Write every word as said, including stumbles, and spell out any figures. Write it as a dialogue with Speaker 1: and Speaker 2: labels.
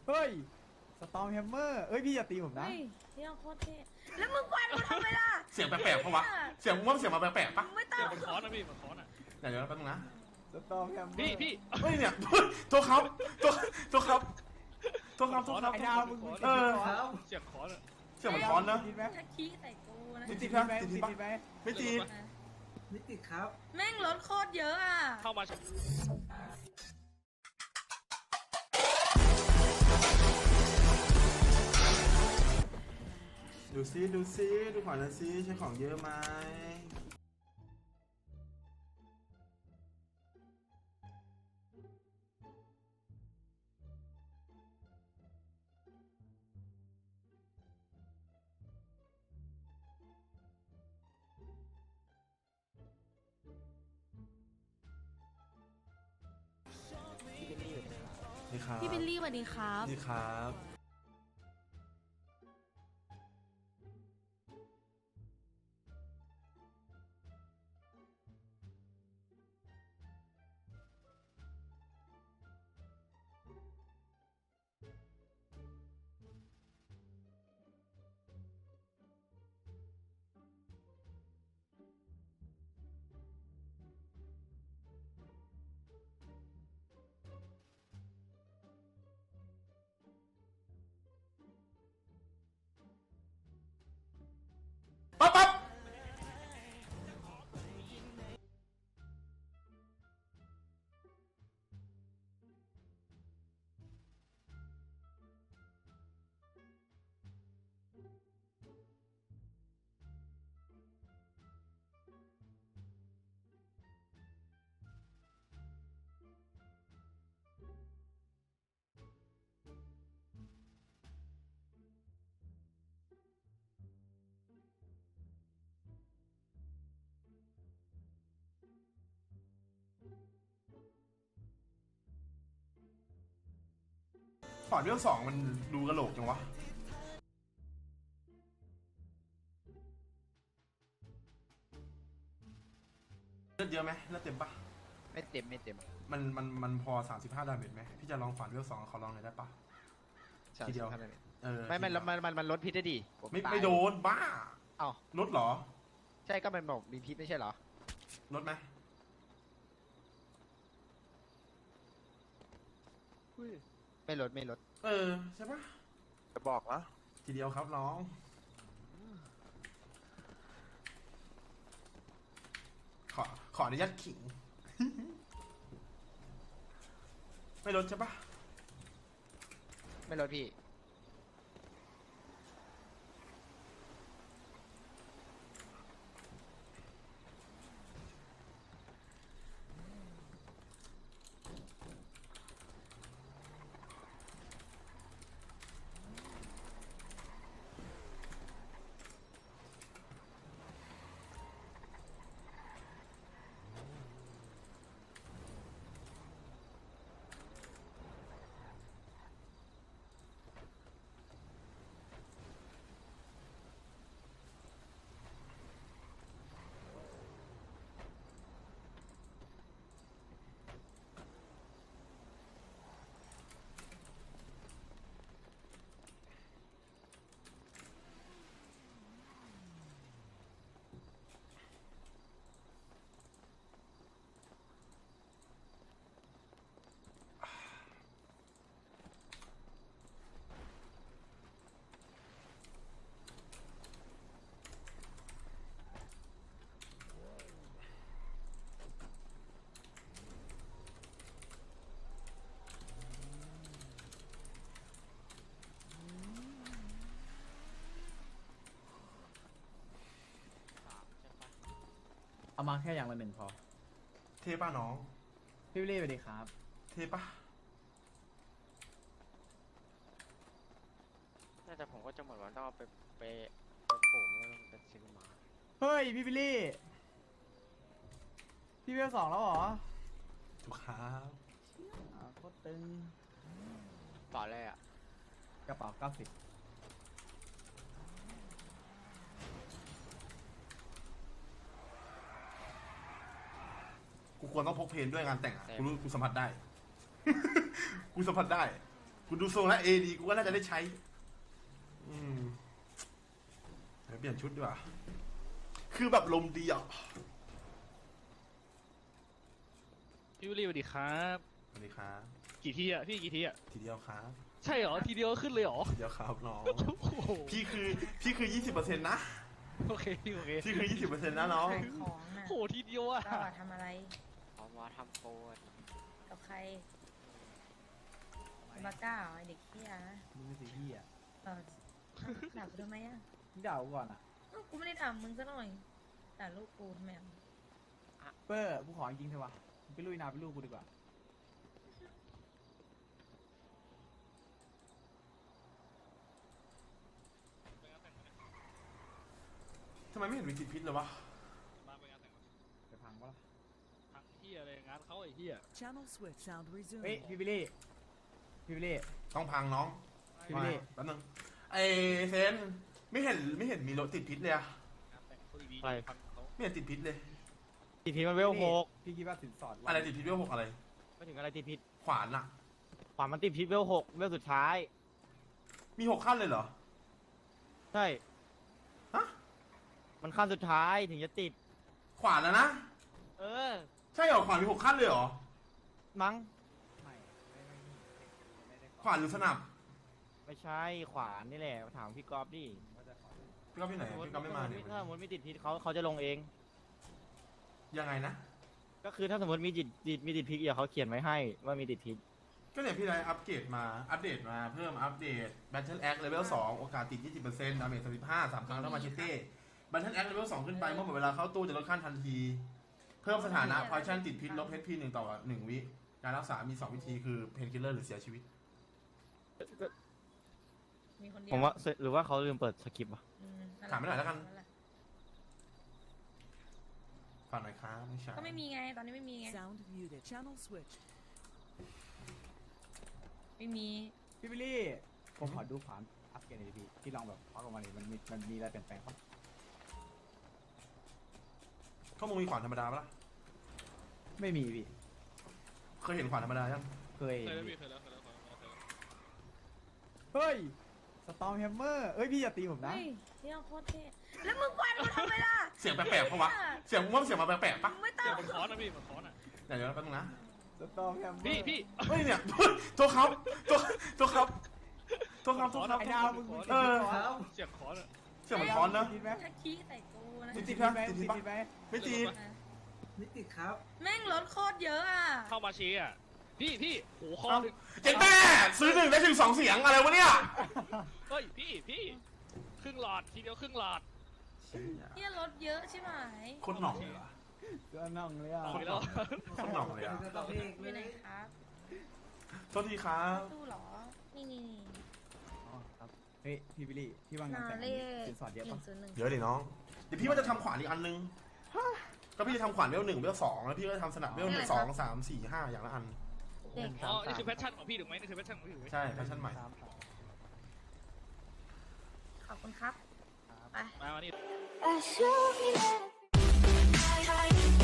Speaker 1: เฮ้ยสตอมแฮมเมอร์เอ้ยพี่อย่าตีผมนะ
Speaker 2: เฮ้ยเที่ยวโคตรเท่แล้วมึงควันกูทำไมล่ะ
Speaker 3: เสียงแปลกๆปะวะเสียงว่าเสียงมาแปลกๆปะ
Speaker 2: มึงไม่ต้อ
Speaker 4: เดี๋ย
Speaker 2: ง
Speaker 4: วมันค้อนนะพี่มันค้อนอ่ะ
Speaker 3: เดี๋ยวเดี๋ยวแป๊บนึงนะ
Speaker 1: สตอมแฮมเมอร์
Speaker 4: พี่พี่
Speaker 3: เฮ้ยเนี่ยตัวครับตัวตัวครับตัวครับตัวครับ
Speaker 1: ไอ้ดาวมึง
Speaker 3: เออ
Speaker 4: เสียงค้อนอ่ะ
Speaker 3: เสียงเหมือนค้อนเนอะ
Speaker 1: ติดไหม
Speaker 2: ถ้าขี้ใส่กูนะ
Speaker 3: ติ
Speaker 1: ติ
Speaker 3: ด
Speaker 1: ด
Speaker 3: ปะ
Speaker 1: ไหม
Speaker 3: ติด
Speaker 1: ติด
Speaker 3: ปะ
Speaker 1: ไหม
Speaker 3: ไม่ตี
Speaker 5: ไม่ติดครับ
Speaker 2: แม่งรถโคตรเยอะอ่ะ
Speaker 4: เข้ามา
Speaker 3: ดูซิดูซิดูของนะซิใช้ของเยอะไหมนี่ครับ
Speaker 2: พี่บิลลี่สวัสดีครับ
Speaker 3: นี่ครับปั๊บปั๊บขอเรื่องสองมันดูกระโหลกจังวะเลือดเยอะไหมเลือดเต็มปะ
Speaker 6: ไม่เต็มไม่เต็ม
Speaker 3: มันมันมันพอสามสิบห้าดาเมจไหมพี่จะลองฝันเรื่องสองขอลองหน่อยได้ปะ ทีเดียว
Speaker 6: สามสิบห้านาที
Speaker 3: เออ
Speaker 6: ไม่ไม่แล้วมันมันมันลดพิษได้ดีผ
Speaker 3: ไม่
Speaker 6: ตาย
Speaker 3: ไม่โดนบ้า
Speaker 6: เอ้า
Speaker 3: ลดเหรอ
Speaker 6: ใช่ก็มันบอกมีพิษไม่ใช่เหรอ
Speaker 3: ลดไหม
Speaker 6: ไม่ลดไม่ลด
Speaker 3: เออใช่ปะ
Speaker 5: จะบอกนะ
Speaker 3: ทีเดียวครับน้อง ขอขออนุญาตขิง ไม่ลดใช่ปะ
Speaker 6: ไม่ลดพี่
Speaker 1: เอามาแค่อย่างละหนึ่งพอ
Speaker 3: เทป่ะน้อง
Speaker 1: พี่บิลลี่สวัสดีครับ
Speaker 3: เทป่ะ
Speaker 7: น่าจะผมก็จะหมดวันต้องเอาไปไปไปปลูกแล้วไปซื้อมา
Speaker 1: เฮ้ยพี่บิลลี่พี่เวลสองแล้วเหรอ
Speaker 3: ถูกครับ
Speaker 1: อ่าโคตรตึง
Speaker 7: ต่อเลยอ่ะ
Speaker 1: กระเป๋าเก้าสิบ
Speaker 3: กูควรต้องพกเพนด้วยงานแต่งอ่ะ กูรู้กูสัมผัสได้ กูสัมผัสได้กูดูทรงแล้วเอดีกูก็น่าจะได้ใช้ อืมเดี๋ยวเปลี่ยนชุดดีกว่าคือแบบลมดีอ่ะ
Speaker 4: พี่วิลลี่สวัสดีครับ
Speaker 3: สวัสดีครับ
Speaker 4: กี่ทีอ่ะ พี่กี่ทีอ่ะ
Speaker 3: ทีเดียวครับ
Speaker 4: ใช่เหรอ ทีเดียวก็ขึ้นเลยเหรอ
Speaker 3: ทีเดียวครับน้อง
Speaker 4: โอ้โห
Speaker 3: พี่คือพี่คือยี่สิบเปอร์เซ็นต์นะ
Speaker 4: โอเคพี่โอเค
Speaker 3: พี่คือยี่สิบเปอร์เซ็นต์นะน้อง
Speaker 2: ขายของน่ะ
Speaker 4: โหทีเดียวอ่ะ
Speaker 2: เราอะทำอะไร
Speaker 7: เพราะว่าทำโปรอะ
Speaker 2: กับใครบาก้าเหรอไอเด็กเฮียนะ
Speaker 1: มึงเป็นสีพี่อ่ะ
Speaker 2: เออด่ากูทำไมอ่ะ
Speaker 1: มึงด่ากูก่อนอ่ะ
Speaker 2: เอ้ากูไม่ได้ด่ามึงซะหน่อยด่าลูกกูทำไมอ่ะ
Speaker 1: เปอร์กูขอจริงๆเถอะวะมึงไปลุยนาไปลูกกูดีกว่า
Speaker 3: ทำไมไม่เห็นมีติดพิษเลยวะ
Speaker 4: มาไปงานแต่งงาน
Speaker 1: จะพังปะล่ะ
Speaker 4: ทั้งเฮียอะไรงานเขาไอ้เฮีย
Speaker 8: Channel switch sound
Speaker 1: เฮ้ย
Speaker 8: resumed.
Speaker 1: พี่บิลลี่พี่บิลลี่
Speaker 3: ต้องพังน้อง
Speaker 1: พี่วิลลี่
Speaker 3: มาแป๊บนึงไอเซนไม่เห็นไม่เห็นมีรถติดพิษเลยอะ
Speaker 4: งานแต่งเขาดี
Speaker 6: ไป
Speaker 4: พันเขา
Speaker 3: ไม่เห็นติดพิษเลย
Speaker 6: ติดพิษมันเวลหก
Speaker 1: พี่คิดว่าสินสอด
Speaker 3: อะไรติดพิษเวลหกอะไร
Speaker 6: ไม่ถึงอะไรติดพิษ
Speaker 3: ขวานอะ
Speaker 6: ขวานมันติดพิษเวลหกเวลสุดท้าย
Speaker 3: มีหกขั้นเลยเหรอ
Speaker 6: ใช่
Speaker 3: ฮะ
Speaker 6: มันขั้นสุดท้ายถึงจะติด
Speaker 3: ขวานแล้วนะ
Speaker 6: เออ
Speaker 3: ใช่เหรอขวานมีหกขั้นเลยเหรอ
Speaker 6: มั้ง
Speaker 1: ไม่ไม่ไม่ไม่ได้ข
Speaker 3: ขวานหรือสนับ
Speaker 6: ไม่ใช่ขวานนี่แหละถามพี่กอล์ฟดิ
Speaker 1: ว่าจะขอ
Speaker 3: พี่ก็พี่ไหนพี่ก็ไม่มาเนี่ย
Speaker 6: ถ้าสมมติมีติดพิษเขาเขาจะลงเอง
Speaker 3: ยังไงนะ
Speaker 6: ก็คือถ้าสมมติมีติดติดมีติดพิษเดี๋ยวเขาเขียนไว้ให้ว่ามีติดพิษ
Speaker 3: ก็เนี่ยพี่ได้อัปเกรดมา อัปเดตมา เพิ่มอัปเดต Battle Axe Level สอง โอกาสติด ยี่สิบเปอร์เซ็นต์ ดาเมจ สามสิบห้า สามครั้งแล้วมาเชเต้ Battle Axe Level สองขึ้นไป เมื่อหมดเวลาเข้าตู้จะลดขั้นทันที เพิ่มสถานะ Poison ติดพิษลบ เอช พี หนึ่งต่อหนึ่งวิ การรักษามีสองวิธีคือ Painkiller หรือเสียชีวิต
Speaker 2: มีคนเดียว
Speaker 6: ผมว่าหรือว่าเขาลืมเปิดสคริปต์วะ
Speaker 2: อืนั่นแหละ
Speaker 3: ถามไม่หน่อยแล้วกัน
Speaker 2: แหะ
Speaker 3: ฝากหน่อยครับไม่ใช่
Speaker 2: ก็ไม่มีไงตอนนี้ไม่มีไง
Speaker 8: Sound muted. Channel switch.
Speaker 2: ไม่มี
Speaker 1: พี่บิลลี่ผมขอดูขวานอัปเกรดหน่อยดิพี่ที่ลองแบบพักออกมาเลยมันมีมันมีอะไรเปลี่ยนแปลงปะ
Speaker 3: ข้อมูลมีขวานธรรมดาปะล่ะ
Speaker 1: ไม่มีพี่
Speaker 3: เคยเห็นขวานธรรมดายัง
Speaker 1: เคย
Speaker 4: เคยแล้ว
Speaker 1: พี่
Speaker 4: พี่เคยแล้วเคยแล้วเคยแล้วเคยแล้ว
Speaker 1: เฮ้ยสตอมแฮมเมอร์เอ้ยพี่อย่าตีผมนะ
Speaker 2: เฮ้ยที่เราโคตรเท่แล้วมึงควันกูทำไมล่ะ
Speaker 3: เสียงแปลกๆปะวะ เสียงมึงว่าเสียงมาแปลกๆปะ
Speaker 2: มึงไม่ต้อ
Speaker 4: เสีย
Speaker 2: ง
Speaker 4: งมันค้อนนะพี่มันค้อนอ่ะ
Speaker 3: เดี๋ยวเดี๋ยวแป๊บนึงนะ
Speaker 1: สตอมแฮมเมอร์
Speaker 4: พี่พี่
Speaker 3: เฮ้ยเนี่ยตัวเขาตัวตัวเขาตัวเขาตัวเขา
Speaker 1: ไอ้ดาวมึงมึง
Speaker 3: เออ
Speaker 1: ติดพิษเหรอ
Speaker 4: เสียงค้อนอ่ะ
Speaker 3: เสียงเหมือนค้อนนะ
Speaker 1: ติดไหม
Speaker 2: ถ้าขี้ใส่กูนะ
Speaker 3: ติ
Speaker 1: ติ
Speaker 3: ด
Speaker 1: ด
Speaker 3: พิ
Speaker 1: พิ
Speaker 3: ษ
Speaker 1: ษ
Speaker 3: ไห
Speaker 1: ไห
Speaker 3: ม
Speaker 1: ม
Speaker 3: ติดพิษ
Speaker 1: ติด
Speaker 3: ปะ
Speaker 1: พิษไหม
Speaker 3: ไม่ติด
Speaker 5: ไม่ติดครับ
Speaker 2: แม่งรถโคตรเยอะอ่ะ
Speaker 4: เข้ามาเชียร์อ่ะพี่พี่โหคอ
Speaker 3: เอ้า
Speaker 4: หนึ่ง
Speaker 3: เจ๊แม่ซื้อหนึ่งได้ถึงสองเสียงอะไรวะเนี่ย
Speaker 4: เฮ้ยพี่พี่ครึ่งหลอดทีเดียวครึ่งหลอด
Speaker 2: เนี่ยรถเยอะใช่ไหม
Speaker 3: โคนหน่องเลยอะ
Speaker 1: ก็น่องเลยอ่ะ
Speaker 4: เอาไปแล้ว
Speaker 3: โคนหน่องเลยอะ
Speaker 2: อยู่ไหนครับ
Speaker 3: โทษทีครับ
Speaker 2: ตู้เหรอ นี่นี่นี่
Speaker 1: อ๋อครับเฮ้ยพี่บิลลี่พี่ว่างาน
Speaker 2: นา
Speaker 1: แต่ง
Speaker 2: เล
Speaker 1: สินสอดเยอะ
Speaker 2: หนึ่
Speaker 1: ปะ
Speaker 2: งศูนย์หนึ่ง
Speaker 3: เดี๋ยวดิน้อง เดี๋ยวพี่ว่าจะทำขวานอีกอันนึง ก็พี่จะทำขวานเวลหนึ่งเวลสองแล้วพี่ก็จะทำสนับเวลหนึ่งสองสามสี่ห้าอย่างละอัน
Speaker 2: เด็ก
Speaker 4: อ๋อนี่คือแพชชั่นของพี่ถูกไหมนี่คือแพชชั่นของพี่ถูกไหม
Speaker 3: ใช่แฟชั่นใหม่
Speaker 1: ครับ
Speaker 2: ขอบคุณครับ ไป
Speaker 4: มาวันนี้
Speaker 9: I show me that